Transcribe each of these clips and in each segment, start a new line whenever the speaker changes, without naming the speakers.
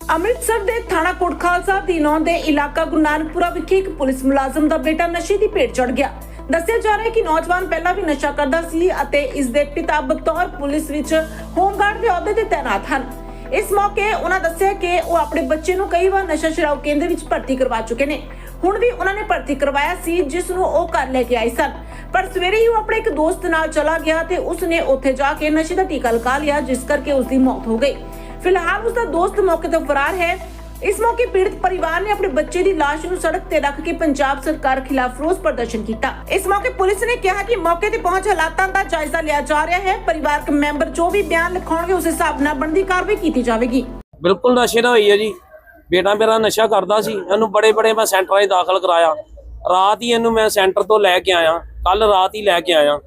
ਅੰਮ੍ਰਿਤਸਰ ਦੇ ਥਾਣਾ ਕੋਟ ਖਾਲਸਾ ਦੀ ਨੌਂ ਦੇ ਇਲਾਕਾ ਗੁਰੂ ਨਾਨਕਪੁਰਾ ਵਿਖੇ ਇੱਕ ਪੁਲਿਸ ਮੁਲਾਜ਼ਮ ਦਾ ਬੇਟਾ ਨਸ਼ੇ ਦੀ ਭੇਟ ਚੜ੍ਹ ਗਿਆ। ਦੱਸਿਆ ਜਾ ਰਿਹਾ ਹੈ ਕਿ ਨੌਜਵਾਨ ਪਹਿਲਾਂ ਵੀ ਨਸ਼ਾ ਕਰਦਾ ਸੀ ਅਤੇ ਇਸ ਦੇ ਪਿਤਾ ਬਤੌਰ ਪੁਲਿਸ ਵਿੱਚ ਹੋਮਗਾਰਡ ਦੇ ਅਹੁਦੇ ਤੇ ਤਾਇਨਾਤ ਹਨ। ਇਸ ਮੌਕੇ ਉਹਨਾਂ ਦੱਸਿਆ ਕਿ ਉਹ ਆਪਣੇ ਬੱਚੇ ਨੂੰ ਕਈ ਵਾਰ ਨਸ਼ਾ ਛੁਡਾਊ ਕੇਂਦਰ ਵਿੱਚ ਭਰਤੀ ਕਰਵਾ ਚੁੱਕੇ ਨੇ। ਹੁਣ ਵੀ ਉਹਨਾਂ ਨੇ ਭਰਤੀ ਕਰਵਾਇਆ ਸੀ, ਜਿਸ ਨੂੰ ਉਹ ਘਰ ਲੈ ਕੇ ਆਏ ਸਨ। ਪਰ ਸਵੇਰੇ ਹੀ ਉਹ ਆਪਣੇ ਇੱਕ ਦੋਸਤ ਨਾਲ ਚਲਾ ਗਿਆ ਤੇ ਉਸਨੇ ਉੱਥੇ ਜਾ ਕੇ ਨਸ਼ੇ ਦਾ ਟੀਕਾ ਲਗਾ ਲਿਆ, ਜਿਸ ਕਰਕੇ ਉਸ ਦੀ ਮੌਤ ਹੋ ਗਈ। फिलहाल उसका दोस्त मौके तो फरार है। इस मौके पीड़ित परिवार ने अपने बच्चे की लाश ਨੂੰ सड़क ਤੇ ਰੱਖ ਕੇ पंजाब सरकार खिलाफ रोष प्रदर्शन किया। इस मौके पुलिस ने कहा कि मौके ते पहुंच हालातां दा जायजा लिया जा रहा है। परिवारक मैंबर जो भी बयान लिखाउणगे उस हिसाब नाल बनदी कार्रवाई की जाएगी।
बिल्कुल नशे दा होई है जी। बेटा मेरा नशा करदा सी, इहनू बड़े बड़े मैं सेंटरां 'ਚ दाखिल कराया। रात ही इहनू मैं सेंटर तो लैके आया, कल रात ही लैके आया।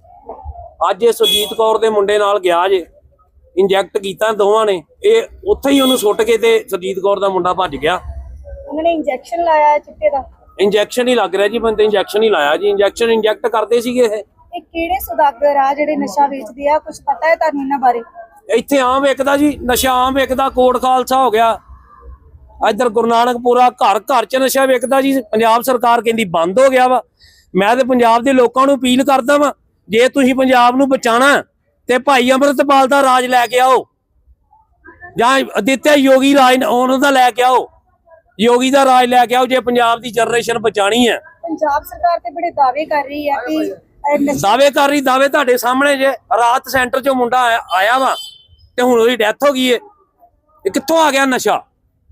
अज ये सुरजीत कौर दे मुंडे नाल गया जे, इंजैक्ट किया दोवां ने। ये उत्थे ही उन्होंने सुट के ते सुरजीत कौर दा मुंडा भज गया।
उन्होंने इंजेक्शन लाया चिट्टे दा?
इंजैक्शन ही लग रहा जी, बंदे इंजैक्शन ही लाया जी। इंजैक्शन इंजैक्ट करते सीगे।
ਇਹ ਕਿਹੜੇ ਸੁਦਾਗਰ ਆ ਜਿਹੜੇ ਨਸ਼ਾ ਵੇਚਦੇ ਆ, ਕੁਝ ਪਤਾ ਹੈ ਤੁਹਾਨੂੰ ਇਹਨਾਂ ਬਾਰੇ?
ਇੱਥੇ ਆਮ ਵਿਕਦਾ ਜੀ, ਨਸ਼ਾ ਆਮ ਵਿਕਦਾ। ਕੋਟ ਖਾਲਸਾ ਹੋ ਗਿਆ, ਇੱਧਰ ਗੁਰੂ ਨਾਨਕਪੁਰਾ, ਘਰ ਘਰ ਚ ਨਸ਼ਾ ਵਿਕਦਾ ਜੀ। ਪੰਜਾਬ ਸਰਕਾਰ ਕਹਿੰਦੀ ਬੰਦ ਹੋ ਗਿਆ ਵਾ। ਮੈਂ ਤੇ ਪੰਜਾਬ ਦੇ ਲੋਕਾਂ ਨੂੰ ਅਪੀਲ ਕਰਦਾ ਵਾਂ, ਜੇ ਤੁਸੀਂ ਪੰਜਾਬ ਨੂੰ ਬਚਾਣਾ ਤੇ ਭਾਈ ਅੰਮ੍ਰਿਤਪਾਲ ਦਾ ਰਾਜ ਲੈ ਕੇ ਆਓ, ਜਾਂ ਆਦਿੱਤਿਆ ਯੋਗੀ ਰਾਜ ਉਹਨਾਂ ਦਾ ਲੈ ਕੇ ਆਓ। ਯੋਗੀ ਦਾ ਰਾਜ ਲੈ ਕੇ ਆਓ ਜੇ ਪੰਜਾਬ ਦੀ ਜਨਰੇਸ਼ਨ ਬਚਾਣੀ ਹੈ।
ਪੰਜਾਬ ਸਰਕਾਰ ਤੇ ਬੜੇ ਦਾਅਵੇ ਕਰ ਰਹੀ ਹੈ ਕਿ
ਦਾਅਵੇ ਕਰ ਰਹੀ, ਦਾਅਵੇ ਤੁਹਾਡੇ ਸਾਹਮਣੇ ਜੇ। ਰਾਤ ਸੈਂਟਰ ਚੋਂ ਮੁੰਡਾ ਆਇਆ ਵਾ ਤੇ ਹੁਣ ਉਹਦੀ ਡੈਥ ਹੋ ਗਈ ਏ। ਇਹ ਕਿੱਥੋਂ ਆ ਗਿਆ ਨਸ਼ਾ?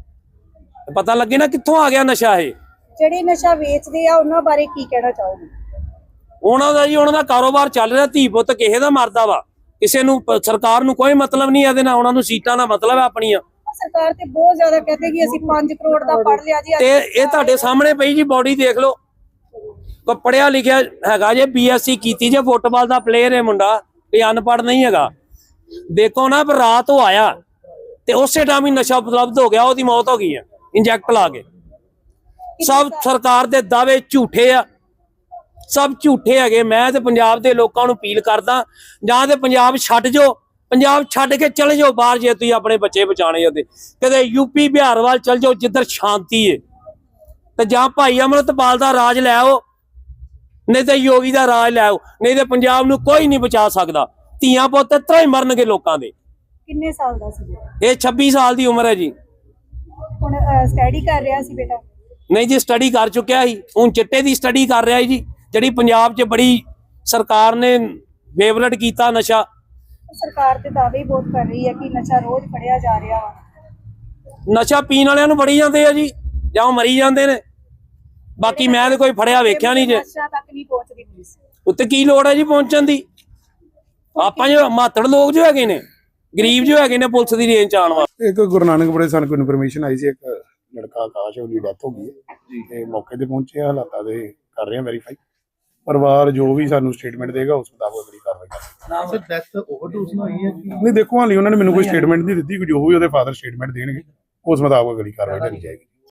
ਪਤਾ ਲੱਗੇ ਨਾ ਕਿੱਥੋਂ ਆ ਗਿਆ ਨਸ਼ਾ। ਇਹ
ਜਿਹੜੇ ਨਸ਼ਾ ਵੇਚਦੇ ਆ ਉਹਨਾਂ ਬਾਰੇ ਕੀ ਕਹਿਣਾ ਚਾਹੋਗੇ?
ਉਹਨਾਂ ਦਾ ਜੀ, ਉਹਨਾਂ ਦਾ ਕਾਰੋਬਾਰ ਚੱਲ ਰਿਹਾ। ਧੀ ਪੁੱਤ ਕਿਸੇ ਦਾ ਮਰਦਾ ਵਾ, ਕਿਸੇ ਨੂੰ ਸਰਕਾਰ ਨੂੰ ਕੋਈ ਮਤਲਬ ਨਹੀਂ ਇਹਦੇ ਨਾਲ। ਉਹਨਾਂ ਨੂੰ ਸੀਟਾਂ ਦਾ ਮਤਲਬ ਹੈ ਆਪਣੀਆਂ।
ਸਰਕਾਰ ਤੇ ਬਹੁਤ ਜ਼ਿਆਦਾ ਕਹਿੰਦੇ ਕਿ ਅਸੀਂ 5 ਕਰੋੜ ਦਾ ਪੜ ਲਿਆ ਜੀ।
ਤੇ ਇਹ ਤੁਹਾਡੇ ਸਾਹਮਣੇ ਪਈ ਜੀ ਬੋਡੀ ਦੇਖ ਲਓ। ਪੜਿਆ ਲਿਖਿਆ ਹੈਗਾ ਜੇ, BSc ਕੀਤੀ ਜੇ, ਫੁੱਟਬਾਲ ਦਾ ਪਲੇਅਰ ਹੈ ਮੁੰਡਾ, ਇਹ ਅਨਪੜ੍ਹ ਨਹੀਂ ਹੈਗਾ। ਦੇਖੋ ਨਾ, ਪਰ ਰਾਤ ਉਹ ਆਇਆ ਤੇ ਉਸੇ ਟਾਈਮ ਹੀ ਨਸ਼ਾ ਉਪਲਬਧ ਹੋ ਗਿਆ, ਉਹਦੀ ਮੌਤ ਹੋ ਗਈ ਹੈ ਇੰਜੈਕਟ ਲਾ ਕੇ। ਸਭ ਸਰਕਾਰ ਦੇ ਦਾਅਵੇ ਝੂਠੇ ਆ, ਸਭ ਝੂਠੇ ਹੈਗੇ। ਮੈਂ ਤੇ ਪੰਜਾਬ ਦੇ ਲੋਕਾਂ ਨੂੰ ਅਪੀਲ ਕਰਦਾ, ਜਾਂ ਤੇ ਪੰਜਾਬ ਛੱਡ ਜਾਓ, ਪੰਜਾਬ ਛੱਡ ਕੇ ਚਲੇ ਜਾਓ ਬਾਹਰ ਜੇ ਤੁਸੀਂ ਆਪਣੇ ਬੱਚੇ ਬਚਾਣੇ ਉਹਦੇ। ਕਦੇ ਯੂਪੀ ਬਿਹਾਰ ਵੱਲ ਚਲ ਜਾਓ ਜਿੱਧਰ ਸ਼ਾਂਤੀ ਹੈ, ਤੇ ਜਾਂ ਭਾਈ ਅੰਮ੍ਰਿਤਪਾਲ ਦਾ ਰਾਜ ਲੈ ਆਓ, ਨਹੀਂ ਤੇ ਯੋਗੀ ਦਾ ਰਾਜ ਲੈ ਆਓ। ਨਹੀਂ ਤੇ ਪੰਜਾਬ ਨੂੰ ਕੋਈ ਨਹੀਂ ਬਚਾ ਸਕਦਾ। ਧੀਆਂ ਪੁੱਤ ਇਤਰਾ ਹੀ ਮਰਨਗੇ ਲੋਕਾਂ ਦੇ।
ਕਿੰਨੇ ਸਾਲ ਦਾ ਸੀ?
ਇਹ 26 ਸਾਲ ਦੀ ਉਮਰ ਹੈ ਜੀ।
ਹੁਣ ਸਟੱਡੀ ਕਰ ਰਿਹਾ ਸੀ ਬੇਟਾ?
ਨਹੀਂ ਜੀ, ਸਟੱਡੀ ਕਰ ਚੁੱਕਿਆ ਸੀ, ਹੁਣ ਚਿੱਟੇ ਦੀ ਸਟੱਡੀ ਕਰ ਰਿਹਾ ਜੀ, ਜਿਹੜੀ ਪੰਜਾਬ 'ਚ ਬੜੀ ਸਰਕਾਰ ਨੇ ਫੇਵਰਟ ਕੀਤਾ ਨਸ਼ਾ।
ਸਰਕਾਰ ਤੇ ਦਾਅਵੇ ਬਹੁਤ ਕਰ ਰਹੀ ਹੈ ਕਿ ਨਸ਼ਾ ਰੋਜ਼ ਫੜਿਆ ਜਾ ਰਿਹਾ ਵਾ।
ਨਸ਼ਾ ਪੀਣ ਵਾਲਿਆਂ ਨੂੰ ਫੜੀ ਜਾਂਦੇ ਆ ਜੀ, ਜਾਂ ਉਹ ਮਰੀ ਜਾਂਦੇ ਨੇ। ਬਾਕੀ ਮੈਂ ਤੇ ਕੋਈ ਫੜਿਆ ਵੇਖਿਆ ਨਹੀਂ ਜੇ।
ਨਸ਼ਾ ਤੱਕ ਨਹੀਂ ਪਹੁੰਚਦੀ ਪੁਲਿਸ।
ਉੱਤੇ ਕੀ ਲੋੜ ਹੈ ਜੀ ਪਹੁੰਚਣ ਦੀ? ਆਪਾਂ ਜੋ ਮਾਤੜ ਲੋਕ ਜੋ ਹੈਗੇ ਨੇ, ਗਰੀਬ ਜੋ ਹੈਗੇ ਨੇ, ਪੁਲਿਸ ਦੀ ਰੇਂਜ ਚ ਆਉਣ ਵਾਲੇ।
ਇੱਕ ਗੁਰੂ ਨਾਨਕਪੁਰੇ ਸਾਨੂੰ ਕੋਈ ਇਨਫੋਰਮੇਸ਼ਨ ਆਈ ਸੀ, ਇੱਕ ਲੜਕਾ ਆਕਾਸ਼, ਉਹਦੀ ਡੈਥ ਹੋ ਗਈ ਹੈ ਜੀ। ਤੇ ਮੌਕੇ ਤੇ ਪਹੁੰਚੇ, ਹਾਲਾਤਾਂ ਦੇ ਕਰ ਰਹੇ ਹਾਂ ਵੈਰੀਫਾਈ। ਪਰਿਵਾਰ ਜੋ ਵੀ ਸਾਨੂੰ ਸਟੇਟਮੈਂਟ ਦੇਗਾ ਉਸ ਮੁਤਾਬਕ ਅਗਲੀ ਕਾਰਵਾਈ ਕਰਾਂਗੇ।
ਸਰ ਡੈਥ ਓਵਰਡੋਜ਼ ਨਾਲ ਹੋਈ ਹੈ ਕਿ
ਨਹੀਂ, ਦੇਖੋ ਹਾਲੇ ਉਹਨਾਂ ਨੇ ਮੈਨੂੰ ਕੋਈ ਸਟੇਟਮੈਂਟ ਨਹੀਂ ਦਿੱਤੀ। ਜੋ ਵੀ ਉਹਦੇ ਫਾਦਰ ਸਟੇਟਮੈਂਟ ਦੇਣਗੇ ਉਸ ਮੁਤਾਬਕ ਅਗਲੀ ਕਾਰਵਾਈ ਕਰੀ ਜਾਏਗੀ।